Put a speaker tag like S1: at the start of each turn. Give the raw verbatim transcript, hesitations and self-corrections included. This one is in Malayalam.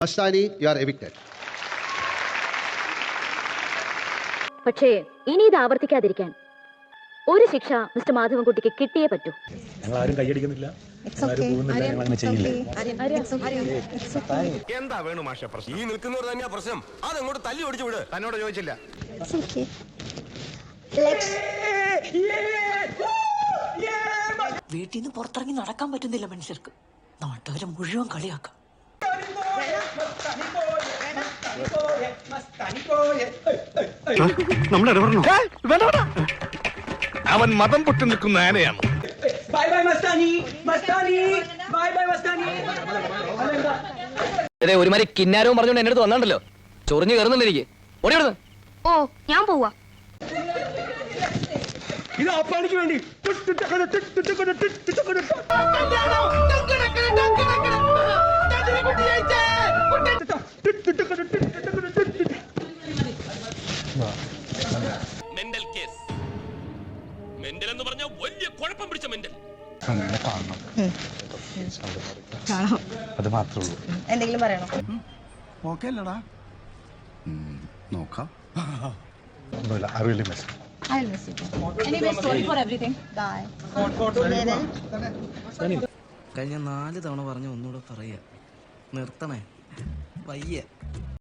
S1: Mastani, you are evicted.
S2: പക്ഷേ ഇനി ഇത് ആവർത്തിക്കാതിരിക്കാൻ ഒരു ശിക്ഷ മിസ്റ്റർ മാധവൻകുട്ടിക്ക് കിട്ടിയേ പറ്റൂ.
S3: ഞങ്ങൾ ആരും കൈയടിക്കുന്നില്ല,
S4: എന്താ വേണു മാഷ പ്രശ്നം? ഈ നിൽക്കുന്നവർ തന്നെയാ പ്രശ്നം. അതങ്ങോട്ട് തല്ലി ഓടിച്ചു വിട്. തന്നോട് ചോദിച്ചില്ല.
S5: വീട്ടിൽ നിന്ന് പുറത്തിറങ്ങി നടക്കാൻ പറ്റുന്നില്ല മനുഷ്യർക്ക്. നാട്ടുകാരെ മുഴുവൻ കളിയാക്കാം.
S4: അവൻ മതം പൊട്ടി നിൽക്കുന്ന ആനയാണ്.
S6: ഒരുമാതിരി കിന്നാരവും പറഞ്ഞോണ്ട് എന്റെ അടുത്ത് വന്നാണ്ടല്ലോ, ചൊറിഞ്ഞു കയറുന്നുണ്ട് എനിക്ക്. ഓടിയോടുന്നു.
S2: ഓ ഞാൻ പോവാ.
S3: ഇത് അപ്പാണിക്ക് വേണ്ടി
S4: മെന്റൽ കേസ്. മെന്റൽ എന്ന് പറഞ്ഞാൽ വലിയ കുഴപ്പം പിടിച്ച മെന്റൽ.
S3: അത് മാത്രമേ ഉള്ളൂ.
S5: എന്തെങ്കിലും പറയണോ?
S3: ഓക്കെ അല്ലടാ, നോക്കാം. ഒന്നുമില്ല. I really miss you.
S5: I'll miss you. Anyway, sorry for everything. Bye.
S7: കഴിഞ്ഞ നാല് തവണ പറഞ്ഞ ഒന്നുകൂടെ പറയാ, നിർത്തണേ വയ്യ.